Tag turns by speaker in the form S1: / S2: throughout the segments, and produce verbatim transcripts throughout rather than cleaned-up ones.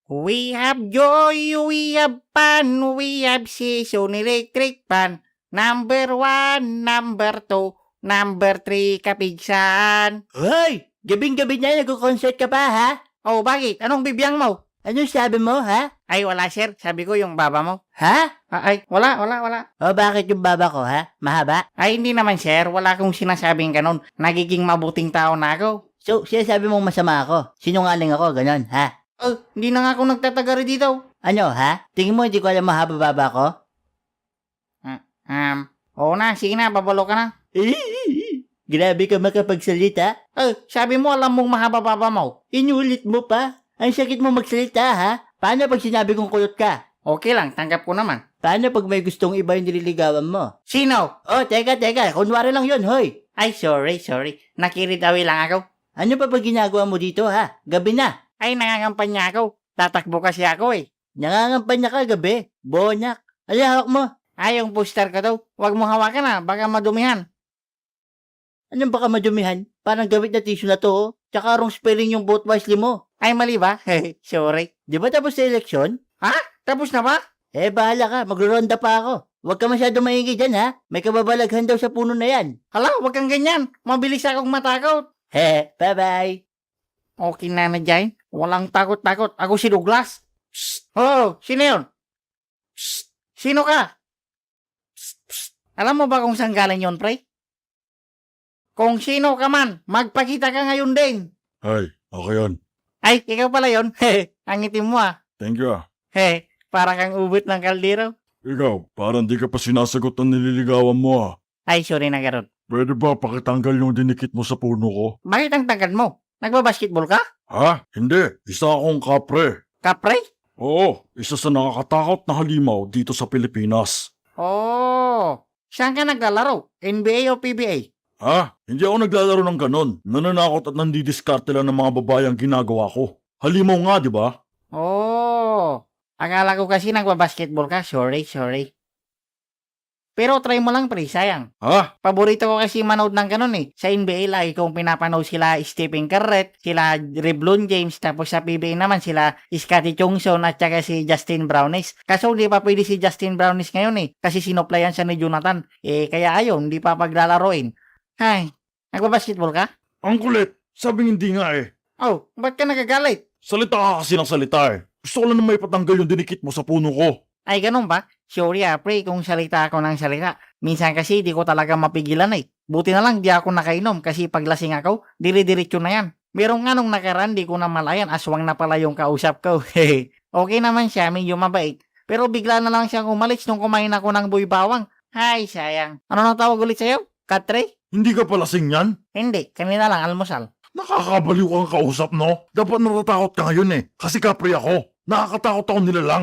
S1: We have joy, we have fun, we have season electric fan. Number one, number two, number three, kapigsan.
S2: Hoy! Gabing-gabi na nag-concert ka pa, ha?
S1: Oh, bakit? Anong bibiyang mo?
S2: Anong sabi mo, ha?
S1: Ay, wala sir. Sabi ko yung baba mo.
S2: Ha?
S1: Ah, ay, wala, wala, wala.
S2: O bakit yung baba ko, ha? Mahaba?
S1: Ay, hindi naman sir. Wala akong sinasabing ganun. Nagiging mabuting tao na ako.
S2: So, siya sabi mong masama ako. Sinungaling ako, ganon, ha?
S1: Oh, hindi na nga ako nagtatagari dito.
S2: Ano, ha? Tingin mo hindi ko alam mahaba baba ko?
S1: Um, oo na. Sige na, babalo ka na.
S2: Grabe ka makapagsalita.
S1: Oh, sabi mo alam mong mahaba baba mo.
S2: Inulit mo pa. Ang sakit mo magsalita, ha? Paano pag sinabi kong kulot ka?
S1: Okay lang, tanggap ko naman.
S2: Paano pag may gustong iba yung nililigawan mo?
S1: Sino?
S2: Oh, teka, teka. Kunwari lang yun, hoy.
S1: Ay, sorry, sorry. Nakiritawi lang ako.
S2: Ano pa ba ginagawa mo dito, ha? Gabi na.
S1: Ay, nangangampanya ako. Tatakbo kasi ako eh.
S2: Nangangampanya ka gabi. Bonyak. Ay, hawak mo.
S1: Ay, yung poster ko daw. Huwag mo hawakan na, baka madumihan.
S2: Anong baka madumihan? Parang gamit na tissue na to, oh. Tsaka wrong spelling yung vote wisely mo.
S1: Ay, mali ba? Sorry.
S2: Di ba tapos sa eleksyon?
S1: Ha? Tapos na ba?
S2: Eh, bahala ka. Magro-ronda pa ako. Huwag ka masyado maingay dyan, ha? May kababalaghan daw sa puno na yan.
S1: Hala, huwag kang ganyan. Mabilis akong matakot.
S2: He, bye-bye.
S1: Okay na na dyan. Walang takot-takot. Ako si Douglas. Psst. Oh, sino yun? Psst. Sino ka? Psst, psst. Alam mo ba kung saan galing yun, pre? Kung sino ka man, magpakita ka ngayon din.
S3: Ay, ako yun.
S1: Ay, ikaw pala yun. Hehe, ang itim mo ah.
S3: Thank you ah.
S1: Hehe, para kang ubit ng kaldero.
S3: Ikaw, parang di ka pa sinasagot ng nililigawan mo ah.
S1: Ay, sorry na garon.
S3: Pwede ba pakitanggal yung dinikit mo sa puno ko?
S1: Bakit ang tangkad mo? Nagbabasketball ka?
S3: Ha? Hindi. Isa akong kapre.
S1: Kapre?
S3: Oo, isa sa nakakatakot na halimaw dito sa Pilipinas.
S1: Oh, saan ka naglalaro? N B A o P B A?
S3: Ha? Hindi ako naglalaro ng ganon. Nananakot at nandidiskarte lang ng mga babayang ginagawa ko. Halimaw nga, di ba?
S1: Oh, akala ko kasi nagbabasketball ka. Sorry, sorry. Pero try mo lang pre, sayang.
S3: Ha?
S1: Paborito ko kasi manood ng ganun eh. Sa N B A lagi kong pinapanood sila Stephen Curry, sila LeBron James, tapos sa P B A naman sila Scottie Chungson at saka si Justin Brownis. Kaso hindi pa pwede si Justin Brownis ngayon eh, kasi sinoplayan siya ni Jonathan. Eh kaya ayun, hindi pa paglalaroin. Hay, nagbabasketball ka?
S3: Ang kulit. Sabing hindi nga eh.
S1: Oh, ba't ka nagagalit?
S3: Salita ka kasi ng salita eh. Gusto ko lang na may patanggal yung dinikit mo sa puno ko.
S1: Ay, ganun ba? Sorry ah, pre, kung salita ako ng salita. Minsan kasi di ko talaga mapigilan eh. Buti na lang di ako nakainom kasi paglasing ako, dire-diretso na yan. Merong nga nung nakaraan, di ko na malayan, aswang na pala yung kausap ko. Okay naman siya, medyo mabait. Pero bigla na lang siyang umalis nung kumain ako ng buy bawang. Hay, sayang. Ano nang tawag ulit sa'yo? Katre?
S3: Hindi ka pala lasing yan?
S1: Hindi, kanina lang almusal.
S3: Nakakabaliw kang kausap, no? Dapat natatakot ka ngayon eh. Kasi kapre ako. Nakakatakot ako nila lang.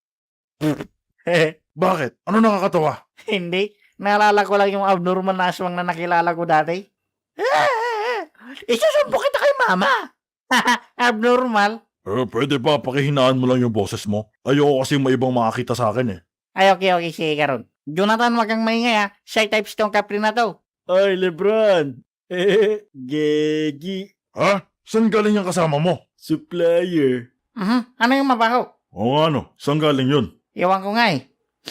S3: Bakit? Ano nakakatawa?
S1: Hindi, naalala ko lang yung abnormal na aswang na nakilala ko dati.
S2: Isusumpo kita kay mama.
S1: Abnormal?
S3: Eh, pwede ba pakihinaan mo lang yung boses mo? Ayoko kasi may ibang makakita sa akin eh.
S1: Ay, okay, okay, sige karon. Jonathan, wag kang maingay ha. Shy types tong kapre na to.
S2: Ay, Lebron. Eh, Gegi.
S3: Ha? Saan galing yung kasama mo?
S2: Supplier.
S1: Mhm, ano yung mabaho?
S3: Oo nga no, saan galing yun?
S1: Iwan ko nga eh.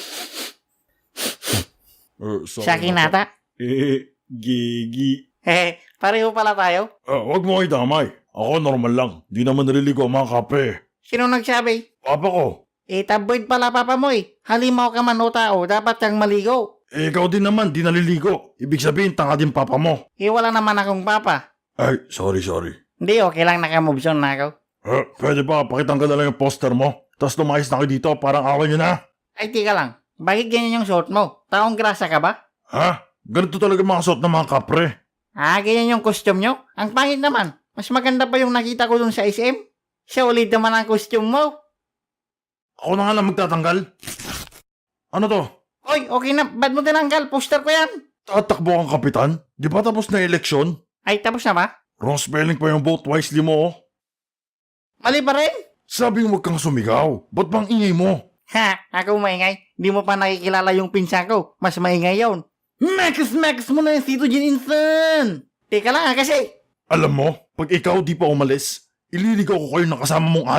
S3: Eh, sorry
S1: Sa akin
S3: na po.
S1: nata.
S2: Eh, Gegi.
S1: Hehe, pareho pala tayo.
S3: Eh, wag mo kayo damay. Ako normal lang. Di naman naliligo ang mga kape.
S1: Sino nagsabi?
S3: Papa ko.
S1: Eh, tabloid pala papa mo eh. Halimaw ka man o tao, dapat kang maligo.
S3: Eh, ikaw din naman, di naliligo. Ibig sabihin, tanga din papa mo.
S1: Eh, wala naman akong papa.
S3: Ay, sorry, sorry.
S1: Hindi, okay lang naka-moves on na ako.
S3: Eh, pwede ba pakitanggal na lang yung poster mo? Tapos lumayas na kayo dito, parang awal nyo na.
S1: Ay, tika lang. Bakit ganyan yung suot mo? Taong grasa ka ba?
S3: Ha? Ganito talaga mga suot ng mga kapre.
S1: Ah, ganyan yung costume nyo? Ang pangit naman. Mas maganda pa yung nakita ko dun sa S M. Siya ulit naman ang costume mo.
S3: Ako na nga lang magtatanggal. Ano to?
S1: Oy, okay na. Ba't mo tinanggal? Poster ko yan.
S3: Tatakbo kang kapitan? Di ba tapos na eleksyon?
S1: Ay, tapos na ba?
S3: Wrong spelling pa yung vote wisely mo, oh.
S1: Mali pa rin?
S3: Sabi mo wag kang sumigaw. Ba't bang ingay mo?
S1: Ha, ako maingay. Di mo pa nakikilala yung pinsan ko. Mas maingay yon. Max, max mo na yung Tito Jin Insan. Teka lang ha, kasi.
S3: Alam mo, pag ikaw di pa umalis, ililigaw ko kayo ng kasama mong adik.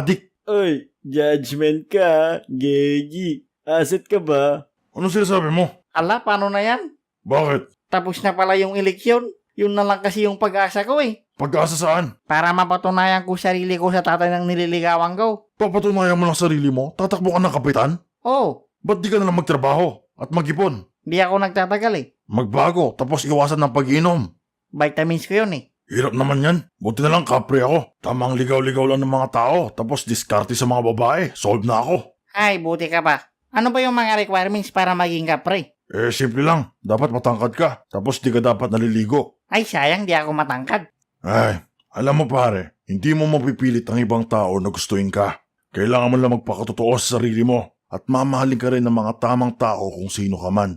S2: Oy, judgment ka, Gegi. Asset ka ba?
S3: Ano sinasabi mo?
S1: Ala, paano na yan?
S3: Bakit?
S1: Tapos na pala yung eleksyon. Yun na lang kasi yung pag-asa ko eh.
S3: Pag-asa saan?
S1: Para mapatunayan ko sarili ko sa tatay ng nililigawan ko.
S3: Papatunayan mo lang sarili mo? Tatakbo ka ng kapitan?
S1: Oh,
S3: Ba't di ka na lang magtrabaho at mag-ipon?
S1: di ako nagtatagal eh.
S3: Magbago, tapos iwasan ng pag-inom.
S1: Vitamins ko yun eh.
S3: Hirap naman yan. Buti na lang kapre ako. Tamang ligaw-ligaw lang ng mga tao, tapos diskarte sa mga babae. Solve na ako.
S1: Ay, buti ka pa. Ano ba yung mga requirements para maging kapre?
S3: Eh, simple lang. Dapat matangkad ka, tapos di ka dapat naliligo.
S1: Ay, sayang di ako matangkad.
S3: Ay, alam mo pare, hindi mo mapipilit ang ibang tao na gustuin ka. Kailangan mo lang magpakatotoo sa sarili mo at mamahalin ka rin ng mga tamang tao kung sino ka man.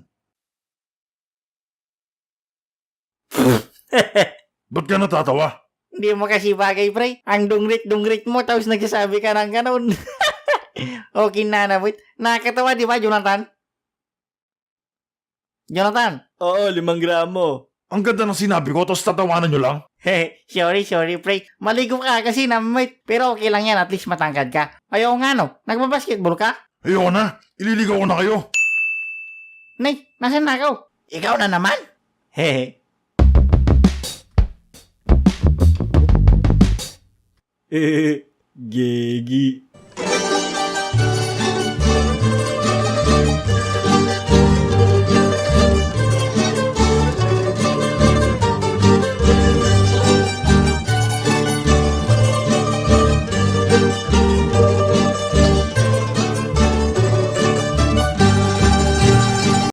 S3: Ba't ka natatawa?
S1: Hindi mo kasi bagay, pre. Ang dungrit-dungrit mo, tapos nagsasabi ka ng ganun. Okay na, nabit. Nakakatawa, di ba, Jonathan? Jonathan?
S2: Oo, limang gramo.
S3: Ang ganda ng sinabi ko, tapos tatawanan nyo lang?
S1: Hehe, sorry, sorry, pre. Maligo ka kasi, namit. Pero okay lang yan, at least matangkad ka. Ayaw nga, no? Nagbabasketball ka?
S3: Ayoko na, ililigaw ko na kayo.
S1: Nay, nasan na ikaw? Ikaw na naman? Hehe.
S2: Eh, Gegi.